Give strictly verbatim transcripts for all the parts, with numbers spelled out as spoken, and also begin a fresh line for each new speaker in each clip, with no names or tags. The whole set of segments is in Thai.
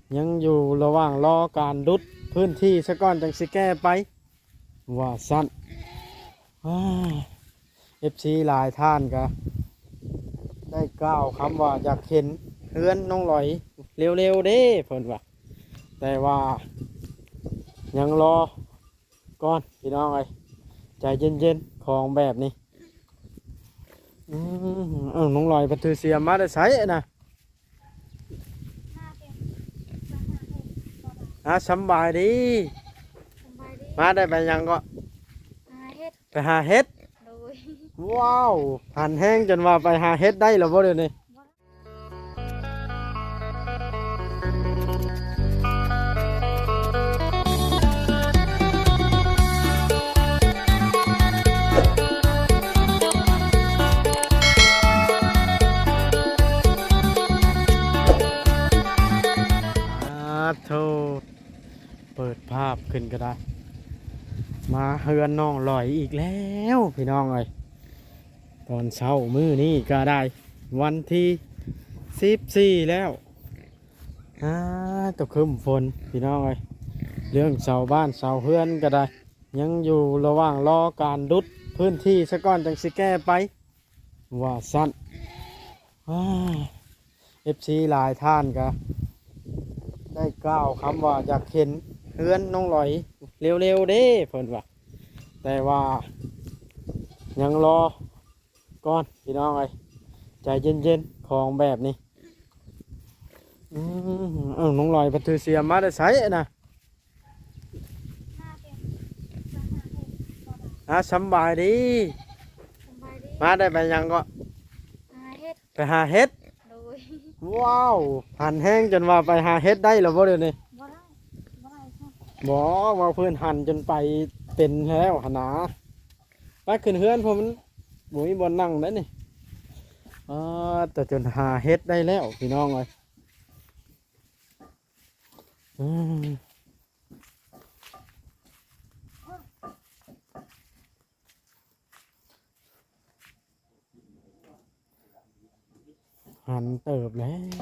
ยังอยู่ระหว่างรอการรุดพื้นที่ซะก่อนจังสิแก้ไปว่าสั้นเอฟซีหลายท่านก็ได้กล่าวคำว่าอยากเห็นเฮือนน้องลอยเร็วๆเด้เพิ่นว่าแต่ว่ายังรอก่อนพี่น้องเอ้ยใจเย็นๆของแบบนี้อืมเออน้องลอยพันธุ์เสียมาได้ใช้นะอ่ะสำบายดีมาได้ไปยังก็ไปหาเห็ดว้าวหันแห้งจนว่าไปหาเห็ดได้แล้วบ่เดี๋ยวนี้โธ่เปิดภาพขึ้นก็ได้มาเฮือนน้องลอยอีกแล้วพี่น้องเอ้ยตอนเช้ามื้อนี้ก็ได้วันที่สิบสี่แล้วอ่าตกครึ้มฝนพี่น้องเอ้ยเรื่องเสาบ้านเสาเฮือนก็ได้ยังอยู่ระหว่างรอการรุดพื้นที่ซะก่อนจังสิแก้ไปว่าสั้นเอฟซีหลายท่านก็ได้กล่าวคำว่าอยากเห็นเฮือนน้องลอยเร็วๆเด้เพิ่นว่าแต่ว่ายังรอก่อนพี่น้องเอ้ยใจเย็นๆของแบบนี้อืมเออน้องลอยพันธุ์เสียมาได้ใช้นะอ่ะสำบายดีมาได้ไปยังก็ไปหาเห็ดว้าวหันแห้งจนว่าไปหาเห็ดได้แล้วบ่เดี๋ยวนี้บอกว่าเพื่อนหันจนไปเป็นแล้วหนาไปขึ้นเฮือนผมมันบุยบนนั่งได้นี่อ่าแต่จนหาเห็ดได้แล้วพี่น้องเลยอืมหันเติบแล้ว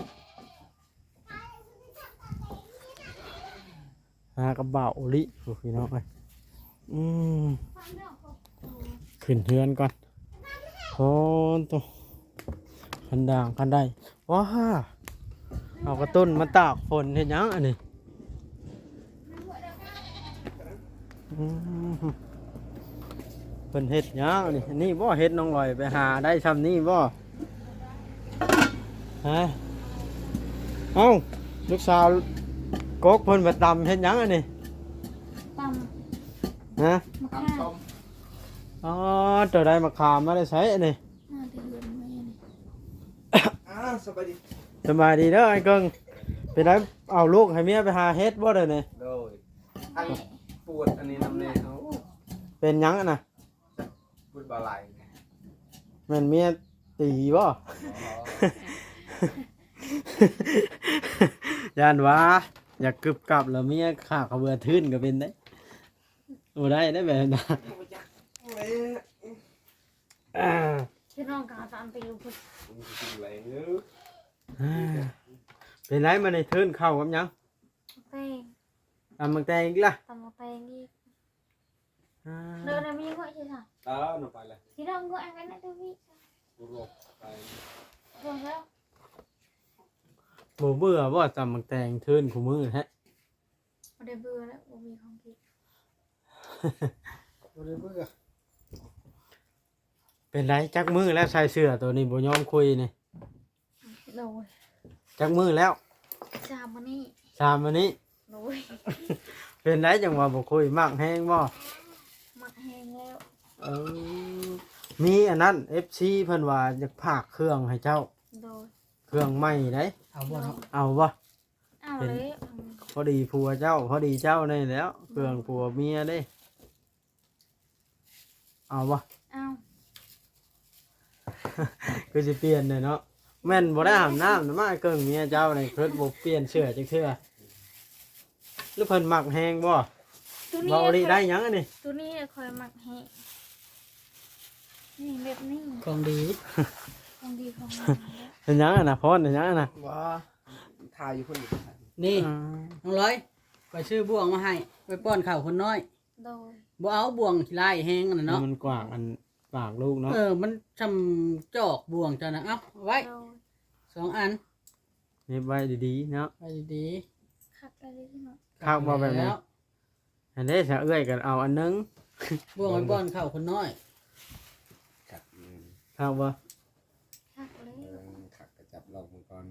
หากระเบาลิพี่น้องเลยอืมขึ้นเฮือนก่อนโอ้ตัวคันด่างคันได้ว้าเอากระตุ้นมาตากฝนเห็นยังอันนี้เป็นเห็ดยังนี่นี่บ่เห็ดน้องลอยไปหาได้ทำนี่บ่ฮะเอ้าลูกสาวกกเพิ่นไปตำเห็ดยังอันนี้
ต
ำฮะ
มะขาม
อ๋อตัวได้มะขามมาได้ใช้อันนี้
สบายดี
สบายดีเด้อไอ้เกิงไปได้เอาลูกให้เมียไปหาเห็ดบ่เด้อนี่
โดยอันปวดอันนี้น้ำเนยเขา
เป็นยังอ่ะนะ
ปวดบ่าไหล
แม่นเมียตีบ่ยานว่าอยากกึบกับแล้วเมียขากระเบือทื่นก็เป็นได้โอ้ได้ได้แบบนั้น
พี่น้องกาตามไปอยู่พุ่น
เป็นไรมาในทื่นเข้ากับยัง
แตง
ตำมังแตงอีกล่ะ
ตำแตงอีกเดินมีก็ใช่ไหม
เออหนูไปเลย
ที่เราก็อะไรนั่นด้วย
รวบไป
รวมแล้ว
บ่เบื่อบ่ตำมังแตงทื่นคู่มือฮะ
ไม่ได้เบื่อแล้วบ่มีของกิน
ไม่ได้เบื่อ
เป็นไรจักมือแล้วใส่เสื้อตัวนี้บ่ยอมคุยนี่
โดย
จักมือแล้ว
สามวันนี้
สามวันนี้
โดย
เป็นไรจังว่าบ่คุยมากแห้งบ่
มักแห้งแล้ว
เออมีอันนั้น เอฟ ซี เพิ่นว่าอยากพากเครื่องให้เจ้า
โดย
เครื่องใหม่ได้
เอาบ่เนาะ
เอาบ่
เอาเลย
พอดีผัวเจ้าพอดีเจ้าได้แล้วเครื่องผัวเมียได้เอาบ่
เอา
คือสิเปลี่ยนเลยเนาะแม่นบ่ได้อาบน้ำนะมาเกิงเมียเจ้านี่เพิ่นบ่เปลี่ยนเสื้อจักเทื่อหรือเพิ่นมักแฮงบ่เว้าดิได้หยังอันนี้
ตัวนี้คอยมักแห้งนี่แบบนี้
ของดี
ของดีของ
เป็นหยังอ่ะนะพรเป็นหยังอ่ะนะ
ว่าถ่ายอยู่คนอยู่
นี่
อ่า
น้องร้อยไปซื้อบ่วงมาให้ไปป้อนข้าวคนน้อย
โดย
บ่เอาบ่วงขี้ลายแห้งนั่นน่ะเนาะ
มันกว้างอันปากลูกเนาะ
เออมันทำจอกบ่วงจ้ะนะเอาเอาไว้
โดย
สองอัน
เน็บไว้ดีๆเนาะ
ไปดี
คักอะไรที่เนาะ
ๆ
ข้าวบ่แบบนี้
แล้ว
อันนี้จะเอื้อยกันเอาอันนึง
บ่วงไปป้อนข้าวคนน้อย
ขัดอืม
ข้าวบ่
คักเลย
เออขัดกระจับลองมังกร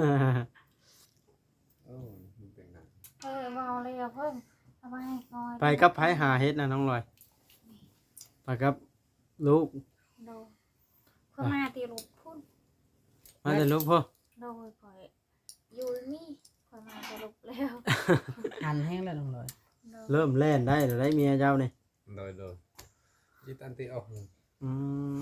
โอ้มันเป็นไง
เออมาเอาเลยอะเพิ่งเอามาให้ก่อน
ไปกับไผหาเฮ็ดนะน้องลอยไปกับลูก
โดยเพิ่งมาตีลูกพุ่น
มาแต่ลูกพ่อ
โดยข่อยอยู่นี่ข่อยมาตีลูกแล้ว
หันแห้งแล้วน้องร้อย
โดย
เริ่มแล่นได้แล้วได้เมียเจ้านี่
โดยโดยยิดอันตีออก
อืม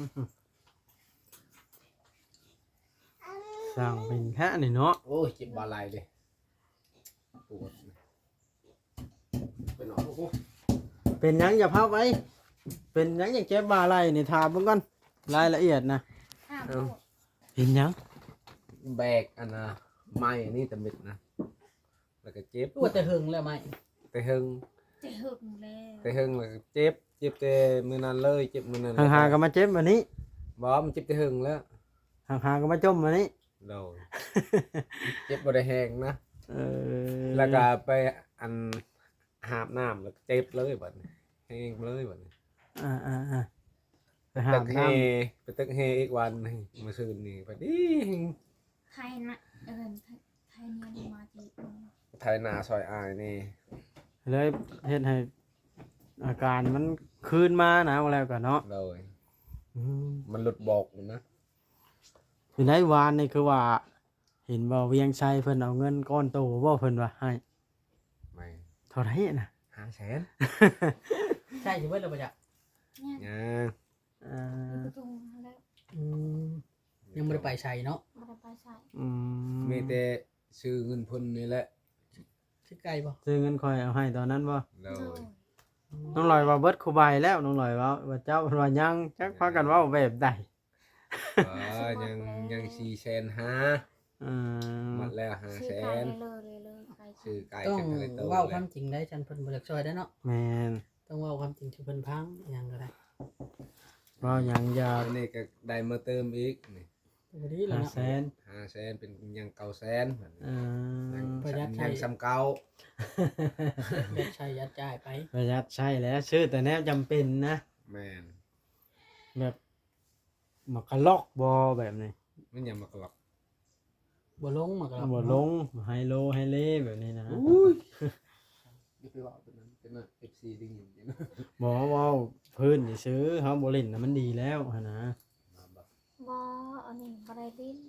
สั่งเป็นแค่นี่เนาะ
โอ้ยเจ็บบาลายเลยปวดเป็นหนอนโอ้โห
เป็นหยังอย่าพับไว้ เป็นหยังอย่าเจ็บบ่าไหล่นี่ถามเบิ่งก่อนรายละเอียดนะ
ห้าม
เอ
พู
อ
ด
เป็นหยัง
แบกอันนะไม้อันนี้แต่เม็ดนะแล้วก็เจ็บ
ตัวแต่หึงแล้วไหม
แต่หึง
จะหึงแล้ว
แต่หึงแล้วก็เจ็บเจ็บแต่มือนั้นเลยเจ็บมือนั้น
ห่างๆก็มาเจ็บวันนี้
บอมันเจ็บแต่หึงแล้ว
ห่างๆก็มาจมวันนี้
โดยเจ็บบ่ได้แห้งนะ
เออ
แล้วก็ไปอันหาบน้ำแล้วก็เจ็บเลยบัดนี้แห้งเลยบัดนี้
อ่าอ่าอ่าไปหา
ตึ
บ
กเฮ
น้
ไปตึกเฮอีกวันหนึ่งมาซื้อนี่บัดนี้
ไทยนะเออไทยไทยเนี่ยมาจีบ
ไทยนาซอยอายนี่
ำเลยเฮ็ดให้อาการมันคืนมานะว่าแล้วกันเนาะ
เลย
อืม
มันหลุดบอกเลยนะ
อยู่ในวานนี่คือว่า เห็นบ่เวียงชัยเพิ่นเอาเงินก้อนโตบ่เพิ่นว่าให้
ไม่
เท่าไหร่น่ะ
ห้าแสน
ใช่อยู่เว้ยเราไปจ้ะ
เนี่ย
ยัง
อ่
อยู่
า
ประตูแล้ว
อืมยังไม่ได้ไปใส่เนาะ
มาได้ไปใส่
อืม
มีแต่ซื้อเงินพุ่นนี่แหละ
ชื่อไก่บ่
ซื้อเงินคอยเอาให้ตอนนั้นบ่
เล
โด
ย
ย
น้องลอยว่าเบิดคูใบแล้วน้องลอยว่าว่าเจ้าเพิ่นว่ายังจักพากันเว้าแบบใด
เออยังยังสี่แสนห้า
อืม
หมดแล้วห้า
ซื้อ
แส
ไก่
น
เลยเลยเลยไก่
ซื้อไก่
ต้อง
กันอะไรตัว
เว้า
เล
ควาย มจริงได้ฉันเพิ่นบ่อยากช่วยได้เนาะ
แม่น
ต้องเว้าความจริงที่เพิ่นพังอหยังก็ได้
เว้าหยังอย่า
อันนี้ก็ได้มาเติมอีกนี่
บ่ดีแล้ว
ห้า
เนาะ
แสน
ห้าแสนเป็นยังเก้าแสนบัดนี้
อืม
ประหยัดใช้
ยังซ้ำเก่า
ยัดใช้ยัดจ่ายไป
ประหยัดใช่แล้วซื้อแต่แนวจำเป็นนะ
แมน
แบบหมักกะลอกบอแบบนี้
มันยังมากหลอก
บ่ลงมาก็
บอลงไฮโลไฮเล่แบบนี้นะ
นี่ไปว่าเป็นนั้นเป็นนั้นเอฟซีดิ้งอยู่นะ
บอว่าพื้นนี่ซื้อเขาบริลนะมันดีแล้วหั้นนะ
มาแบบ
บออันนี้บไดลิ้น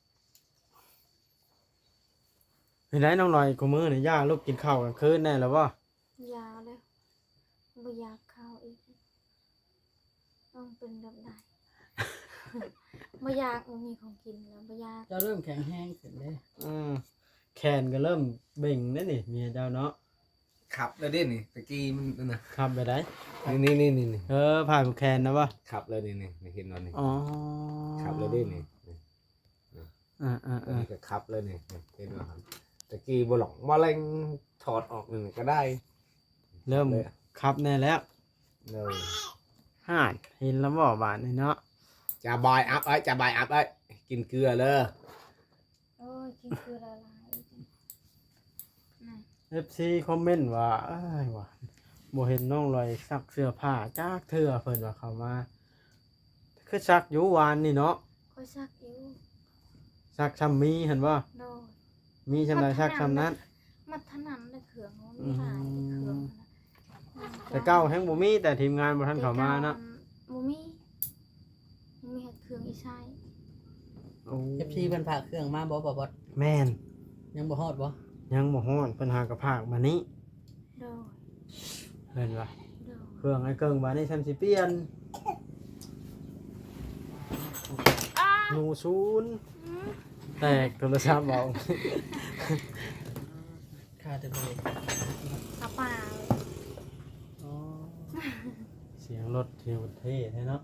เห็นไหมน้องหน่อยกูมือเนี่ยย่าลูกกินข้าวกลางคืนแน่แล้วว่
ยาแล้วบ่อยากเข้าอีกต้องเป็นแบบใด บ่อยากมันมีของกินแล้วบ่อยาก
เจ้าเริ่มแข็งแห้งขึ้นเด้
อืมแขนก็เริ่มเบ่งแล้วนี่เมียเจ้าเนาะ
ขับเลยดินี่ตะกี้มันนั่นนะ
ขับไปได้
นี่นี่นี่นี่
เออผ่านแขนนะวะ
ขับเลยนี่นี่นี่เห็นนอนนี่
อ๋อ
ขับเลยดินี่นี่
อ่าอ่า
ตัว
อ่า
นี้ก็ขับเลยนี่นี่เห็นว่าตะกี้บหลอกมาเล็งถอดออกหนึ่งก็ได้
เริ่มขับแน่แล้ว
เลย
ห่านเห็นแล้วบ่บานนี่เนาะ
จะบายอัพไอ้จะบายอัพไอ้กินเกลือเลย
โอ้ยกินคือละลายอีกน่ะ
เอฟซีคอมเมนต์ว่าเอ้ยว่าบ่เห็นน้องลอยซักเสื้อผ้าจากเทื่อเพิ่นว่าเขามาคือซักอยู่วานนี่เนาะ
ค่อยซักอยู่
ซักซ้ำมีเห็นบ่
โดย
มีชำนาญซักซ้ำนั้น
มันถนัดในเครื่องมันมีหลายในเครื่องมันนะ
แต่เก้าแห่งบ่มีแต่ทีมงานบ่ทันเข้ามาเนาะ
บ่มีบ่มีเครื่องอีใช้
โอ้
เอฟซีเพิ่นฝากเครื่องมาบ่บ่บ่
แม่น
ยังบ่ฮอดบ่
ยังบ่ฮ้อนเพิ่นหากระพากมานี้
โดย
เพิ่นว่า
โดย
เครื่องไอ้เกิงบาดนี้ซ้ำสิเปลี่ยน
อ้า
หนูศูนย์
อืม
แตกโทรศัพท์เอา
ค่าแต่เบรก
เอาเปล่า
อ๋อเสียงรถเที่ยวเท่แท้เนาะ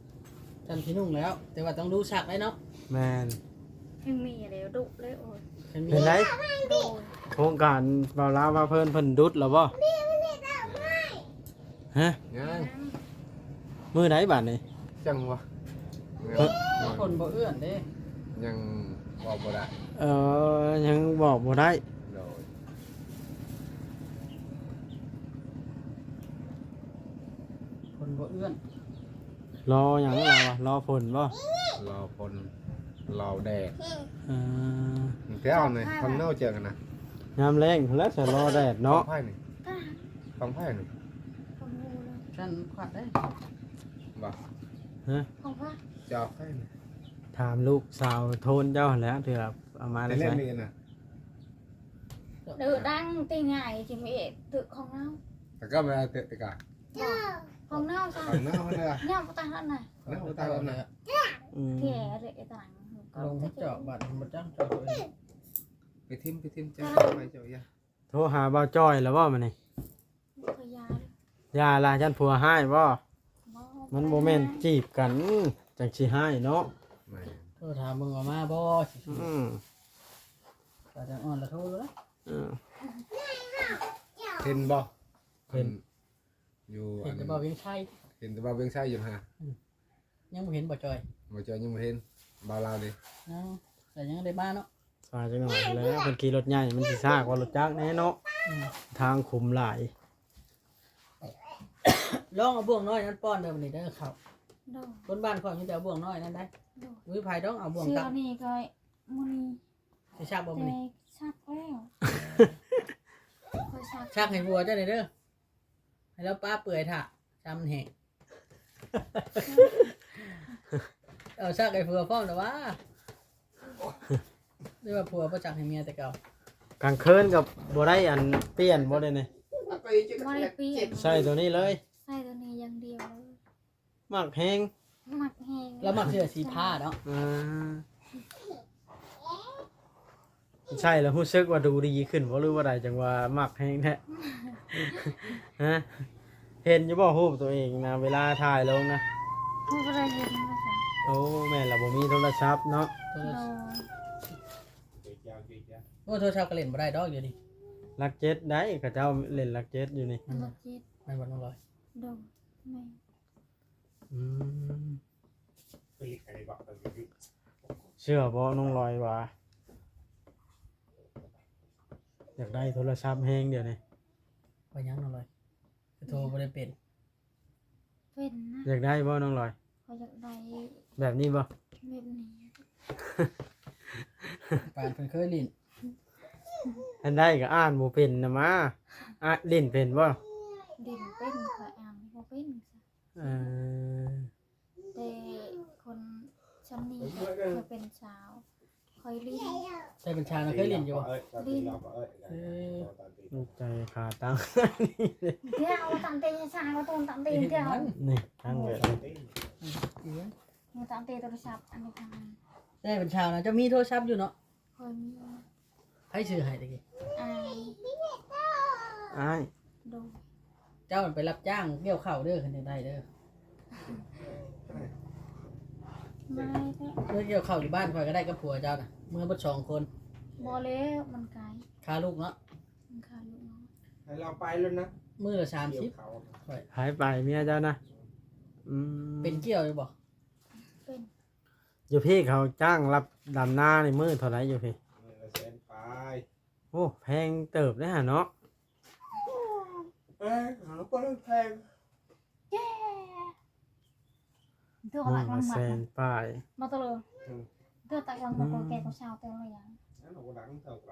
ท่านพี่นุ่งแล้ว แต่ว่าต้องดูฉากไว้เนาะ
แม่น
ยังมีอะไรดุเลยโอ้ย
แขฉันมี
เป็นไร
โดย
โครงการเบาลาว่าเพิ่นเพิ่นดุดแล้วบ่ฮะ
ยัง
มื้อใดบัดนี้
จังวะ
เฮ้ย
คนบ่เอื้อนเด้
ยังบอกบ่ได้
เอ่อยังบอกบ่ได้
โดย
คนบ่เอื้อน
รอหยังเราอะรอผลบ่
รอคนรอแดด
เอ่อ
เที่ยวหน่อยคนเน่าเจอกันนะ
ยามแรงพุ่นแล้วจะรอแดดเนาะ
ไพ่หนึ่งฟังไพ่หนึ่ง
ของงูเลย
ฉันขวัดได้
บอก
ฮะ
ของพระ
จะเอาไพ่หนึ่ง
ถามลูกสาวโทนเจ้าหั่นแหล้วเถื่อเอามา
ไป
ได้
เล่น
ใช่
นี่นะ
เดือดังตีง่ายจิมเอะตึกของเน่า
แต่ก็ไม่ได้เตะตะกา
ของเน่าจ้ะ
ฟังเน่าเลยอะ
ย่ำตายแล้วไหน
เน่าตายแล้วนะ
อืม
แก่เลยไอ้ต่าง
ลงมาเจาะบัตรมาจ้างเจาะตัวเอง
ไปทิมไปทิมเจ้าไปเจ้าอย่า
โทรหาบ่าวจ้อยแล้วบ่มื้อนี้
พยา
อย่าล่ะฉันผัวให้บ่
บ่
มันบ่แม่นจีบกันจังสิให้เนาะ
ไม่
โทรถามมึงออกมาบ่สิ
อืม
อาจารย์อ่อนละโทรเลย
อืม
เห็นบ่
เห็น
อยู่
เห็
อั
น
น
แต่บ่เวียงชัย
เห็นแต่ว่าเวียงไส้อยู่ฮะ
ยังบ่เห็นบ่จอย
มาเจอยังไม่เห็นบาวลาวดิ
เนาะแต่ยังได้มาเนาะ
สายจังหน่อยแล้วเพิ่นขี่รถใหญ่มันสิซากกว่ารถจักรแน่เนาะ
อืม
ทางขุมหลาย
ลองเอาบ่วงน้อยนั้นป้อนเด้อบัดนี้เด้อเขา
โดน
คนบ้านข่อยมีแต่เอาบ่วงน้อยนั้นได้
โดน
วิภัยต้องเอาบ่วง
เสื้อ
ตัก
นี่ก็มุนี
สิชักบ่
แต่
มื้อนี้
ชักแล้วคอยชัก
ชักให้วัวเจ้าหน่อยเด้อให้แล้วป้าเปื่อยถ่ะจำแห้งเอาชักให้ผัวพร้อมแต่ว่าเรียกว่าผัวประจักษ์ให้เมียแต่เก่าก
ลางคืนกับบ่ได้อันเปลี่ยนบ่ได้นี่
บริปีน
ใส่ตัวนี้เลย
ใส่ตัวนี้อย่างเดียวเลย
มักแฮง
หมักแห้ง
แล้วมักเสื้อสีผ้าเนาะ
อ่าใช่แล้วรู้สึกว่าดูดีขึ้นบ่หรือว่าใดจังว่ามักแฮงแท้ ฮะเห็นอยู่บ่รูปตัวเองนะเวลาถ่ายลงนะ
พูดอะไรเห็นภาษา
โอ้แม่นล่ะบ่มีโทรศัพท์เนาะ
โทร
โด
ศัพท์
น
โอ้โทรศัพท์ก็เล่นบ่ได้ดอกอยู่ดิ
ลักเจ็ดได้เขาเจ้าเล่นลักเจ็ดอยู่นี่
รถจิต
ไม่บ่ต้องร้อย
โดนไม่
อืมเชื่อบ่น้องลอยว่าอยากได้โทรศัพท์แฮงเดี๋ยวนี้
บ่ยังน้องร้อยคือโทรบ่ได้เป็น
เป็นนะ
อยากได้บ่น้องลอย
เขาอยากได้
แบบนี้บ่
แบบนี้
ปานเพิ่นเคยลิ้น
อันได้ก็อ่านบ่เป็นนะมาอ่ะเล่นเป็นบ่
ดินเป็นคอยอ่านบ่เป็น
เออ
แต่คนชำนีเคยเป็นสาวคอยลิ้น
ใช่เป็นชานะเคยลิ้นอยู่บ่
ลิ้น
เออ
ลูกใจขาตั้ง
เที่ยวตามเตะชายก็ตูนตามเตะเที่ยว
นี่ตั้งไว้เลย
มือตามเตะโทรศัพท์อันนี้ทาง
ได้เป็นชาวนะเจะมีโทรศัพท์อยู่เนาะ
คอยมี
ไผซื้อให้ตะกี้
อาย
อ้าย
ดู
เจ้ามันไปรับจ้างเกี่ยวข้าวเด้อคันได้เด้อ
ไม่ได้
เมื่อเกี่ยวข้าวอยู่บ้านข่อยก็ได้กับผัวเจ้าน่ะเมื่อบ่สองคน
บอแล้วมันไกล
ค่าลูกเนาะ
มันขาดลูกน้อง
ให้เราไปแล้วนะ
มื้อละสามสิบ
หายไปเมียเจ้านะอืม
เป็นเกี่ยวอยู่บ่
เป็น
อยู่พี่เขาจ้างรับดำหน้าในมือเท่าไหร่อยู่พี่
เซนไป
โอ้แพงเติบเลยฮะเนาะ
เอ้ยหาปลาแพง
เย้เดือด
มื
หลั
อก
ลั
ละ
ง
แส
มาน
ป้าย
มาตลอดเดือดตักลังมาตัวแกตัวชาวเต็มเลยยัง
นั่นเราดังเท่าไหร่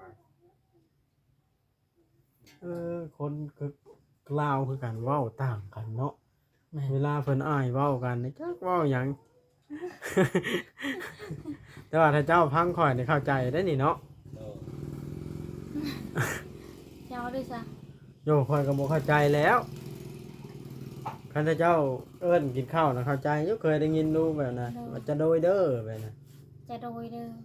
เออคนคือกล่าวคือกันเว้าต่างกันเนาะ
แม่
เวลาเพิ่นอ้ายเว้ากันนี่จักเว้าหยัง แต่ว่าถ้าเจ้าพังข่อยนี่เข้าใจได้นี่เนาะ
เจ้าด้วยซะ
โยข่อยก็บ่เข้าใจแล้วคันถ้าเจ้าเอิ้นกินข้าวนะเข้าใจอยู่เคยได้ยินดูแบบนั้นว่าจะโดยเด้อแบบนั้น
จะโดยเด้อ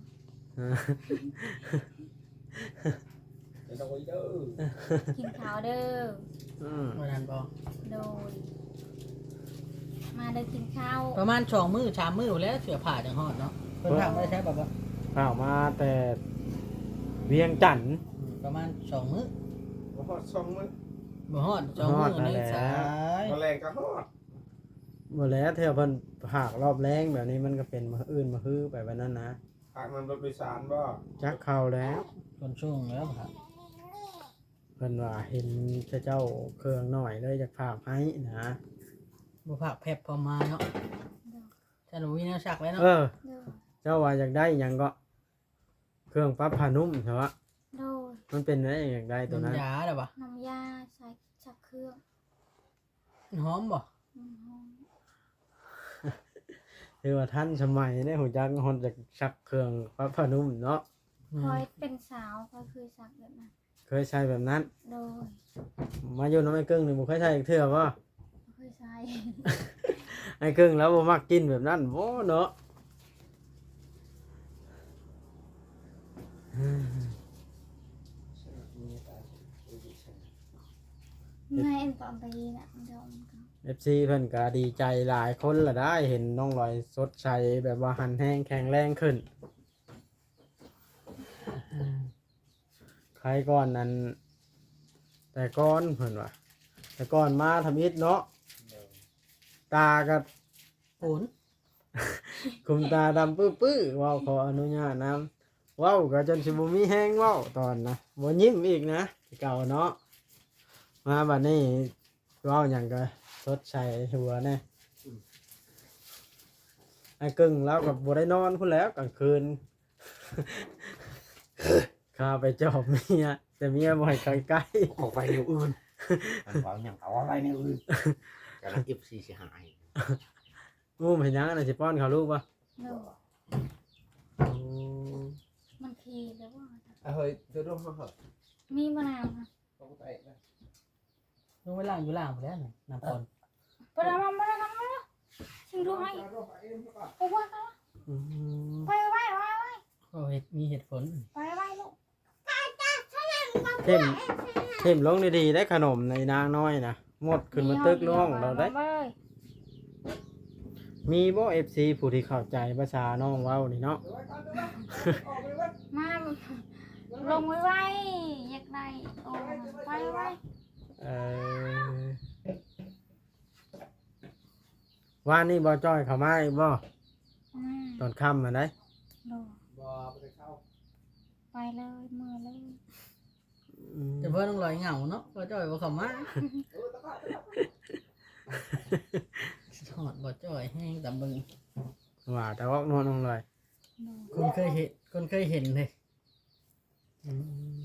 จะโดยเด้อ
กินข้าวเด้อ
อืม
บ่ทันบ่
โดยมาเด้อกินข้าว
ประมาณสองมื้อสามมื้อแล้วเสื้อผ้าจังฮอดเนาะเพิ่นถามได้ใช่บ่บ่
ข้าวมาแต่เวียงจันทน์
อืมประมาณสองมื้อ
บ่ฮอดสองมื้อ
บ่ฮอดสอง
ฮอ
มื้
ด
อ
นั่น
นี่
แหละ
สาย
บ่แรงก็ฮอด
บ่แล้วเทื่อเพิ่นหากรอบแรงแบบนี้มันก็เป็นมื้ออื่นมื้อฮื้อไปแบบนั้นนะ
ทางนั้นรถโดยสารบ่
จักเข้าแล้ว
คนช่วงแล้วครับ
เพิ่นว่าเห็นเจ้าเครื่องหน่อยเลยอยากฝากให้นะ
บ่พักแพบพอมาเนาะถ้าหนูมีแนวชักไว้เนาะ
เออ
โดย
เจ้าว่าอยากได้หยังก็ เครื่องปรับผ้านุ่มใช่ปะ
โดย
มันเป็นอะไรอยากได้ตัวนั้น
น้ำยาได้ปะ
น้ำยาใส่ชักเครื่อง
หอมบ่
อืมหอม
คือว่าท่านสมัยได้หูจักฮอนจากชักเครื่องปรับผ้านุ่มเนาะ
คอยเป็นสาวคอยคือสักแบบนั้น
เคยใช้แบบนั้น
โดย
มาอยู่น้ำไอ้กึ่งนี่บ่เคยใช้อีกเทื่อบ่
เคยใช้
ไอ้กึ่งแล้วบ่มักกินแบบนั้นบ่เนาะ
ไงเอ็นตอนตีน่ะเดี๋ยวมันก็
เอฟซีเพิ่นก็ดีใจหลายคนละได้เห็นน้องลอยสดใสแบบว่าหันแห้งแข็งแรงขึ้นใครก่อนนั้น แต่ก่อนเพิ่นว่าแต่ก่อนมาทำอิฐเนาะตาก็
โอน
คุมตาดำปื้อๆเว้าขออนุญาตนำเว้าก็จนสิบ่มีแห้งเว้าตอนนะบ่ยิ้มอีกนะที่เก่าเนาะมาบัดนี้เว้าหยังก็สดใสหัวแน่ไอ้กึ่งแล้วก็บ่ได้นอนพุ่นแล้วกลางคืน ข้าไปจอบเมียแต่เมียบ่ให้ใกล้
ออกไปแนวอื่นมันว่าหยังเอาอะไรแนวอื่นกำลัง เอฟ ซี สิหาย
ๆงูเห็นหยังอันน่ะสิป้อนเขาลูกบ่
โดย
โอ้
มันขี่แล้วว่า
เฮ้ยเธอรู้เหรอ
มีมะนาวค่ะ
ต้องไปนะ
ลงไปล่างอยู่ล่างหมดแล้วนี่น้ำปน
ไปแล้วมามาแล้วกันมาแล้วชิงดูให้โอ้ว่ากัน
อืม
ไปไปไปไป
ก็เฮ็ดมีเหตุผล
ไปไปลูก
เทมเทมลงดีๆได้ขนมในนางน้อยนะหมดขึ้นมาตึกน้องเราได้
ไป
มีบ่ เอฟ ซี ผู้ที่เข้าใจภาษาน้องเว้านี่เนาะ
มาลงไว้ไว้อยากได้โอ้ไปไป
เออว่านี่บ่จ้อยเข้ามาอีกบ่
มา
ตอนค่ำมาได้
โด
บ่ไปเข้า
ไปเลยมือเลย
อืม
แต่เพิ่นต้องลอยเหงาเนาะบ่จ้อยบ่เข้ามาทอดบ่จ้อยแห้งตำบึง
ว่าแต่ว่านอนลงเลย
โด
คนเคยเห็นคนเคยเห็นเลย
อืม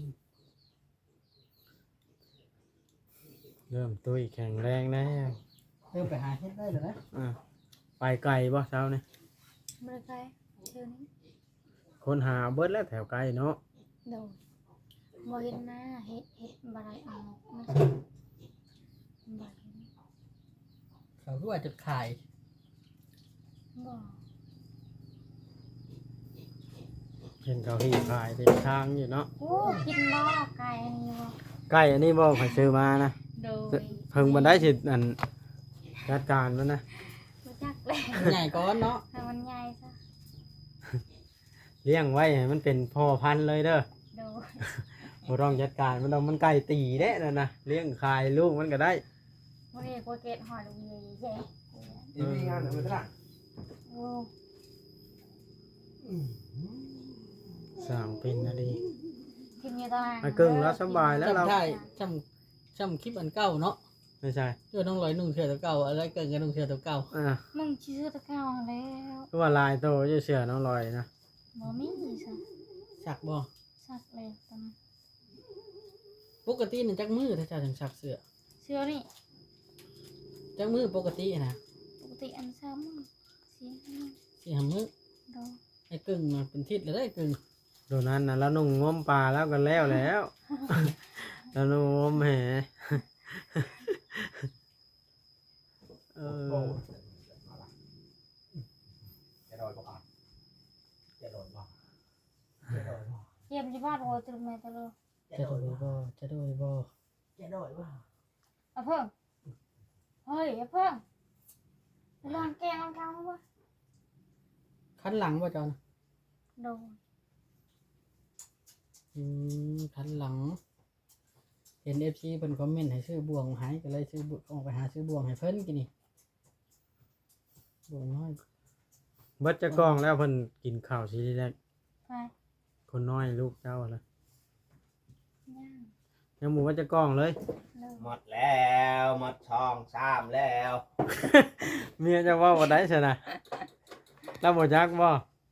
เริ่มตุ้ยแข็งแรงแล้ว
เริ่มไปหาเฮ็ดได้แล้วนะ
อ่ะไปไกลบ่เช้านี่
มือไกลเชื่อนี้
คนหาเบิดแล้วแถวไกลเนาะ
โดบ่เห็นหน้าเฮ็ดเฮ็ดบ่ได้เอาไม่ใช่บ่เห็น
เขาคือว่าจุดขาย
บ่
เห็นเขาหีขายเต็มทางอยู่เนาะ
โอ้กินบ่ไก่อันนี้บ่
ใกล้อันนี้บ่ข่อยซื้อมานะ
โดย
เพิ่งบันไดสิอันจัดการมันนะ
รู้จักเลย
ใหญ่ก้อนเนาะ
ให้มันใหญ่ซะ
เลี้ยงไว้ให้มันเป็นพ่อพันธุ์เลยเด้อ
โดย
บ่ต้องจัดการมันต้องมันไก่ตีเด้นั่นนะเลี้ยงขายลูกมันก็ได้
บ่ได้กลัวเกตหอยลูกใหญ่แย่
อีมีงานเหมือนกัน
โอ้
สร้างเป็นนะดี
กินอยู่ตาราง
ไอ้กึ่งแล้วสบายแล้วเรา
จำได้จำจำคลิปอันเก่าเนาะ
ไม่ใช่
เจ้าน้องลอยนุ่งเสื้อตัวเก่าอะไรเกินกับนุ่งเสื้อตัวเก่า
อ่า
มึงชื่อตะเก้าแล้ว
เพราะว่าลายโตจะเชื่อน้องลอยนะ
บ่มีซะ
สักบ่
สักเลยตอนนั้น
ปกตินี่จักมือถ้าเจ้าถึงสักเสื้อ
เชื่อนี่
จักมือปกตินะ
ปกติอันซ้ำเสียให้
สี่ห้ามือ
โด
ไอ้กึ่งมันเป็นทิศเลยได้กึ่ง
โดนนั้นนะแล้วนุ่งง้มปลาแล้วกันแล้วแล้ว แล้วนุ่งง้มแหเออ
จะโดนบ่ครับจะโดนบ่จะโดนบ่
เยี่ยมสิบ้านโอ้ยตรึมแม่ตะโล
จะโดยบ่จะโดยบ่
จะโดนบ่
เอาเพิ่งเฮ้ยเอาเพิ่งไปลองแกงเอาเกาบ่
คันหลังบ่จอน
โด
อืมทันหลัง เห็น เอฟ ซี เพิ่นคอมเมนต์ให้ซื้อบ่วงหายก็เลยซื้อบ่วงออกไปหาซื้อบ่วงให้เพิ่นกินนี่บ่วงน้อย
เบิดจะกล้องแล้วเพิ่นกินข้าวทีแรก
ไป
คนน้อยลูกเจ้าล่ะ
ย่าง
ยังหมูว่าจะกล้องเลย
เลย
หมดแล้วหมดช่องสามแล้ว
เมียจะเว่าบ่ได้ใช่นะแล้วบ่จักบ่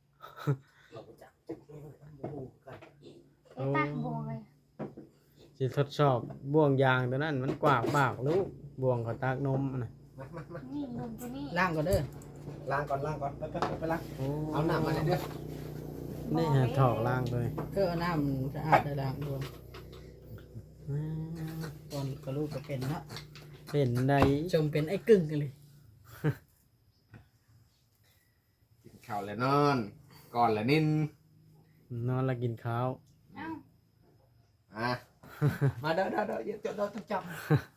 ไอ้ตักบวงเลย
สิทดสอบบ่วงยางตัวนั้นมันกว้างปากลูกบ่วงเขาตากนมน่ะ
มามามา
นี่ลงตัวนี้
ล่างก็เด้อ
ล้างก่อนล้างก่อนไปไปไปไปล้าง
โอ้
เอาหนักมาเลยเด้อ
นี่ฮะถอกล่างเลย
เออเอาน้ำสะอาดได้ล้างด้วยตอนก็ลูกก็เป็นเนาะ
เป็นได้
ชมเป็นไอ้กึ่งกันเลย
กินข้าวแล้วนอนก่อนแล้วนิน
นอนแล้วกินข้าว
เอ้า
อ่ะ มาเด้อเด้อเด้อเดี๋ยวเดี๋ยวต้องจับ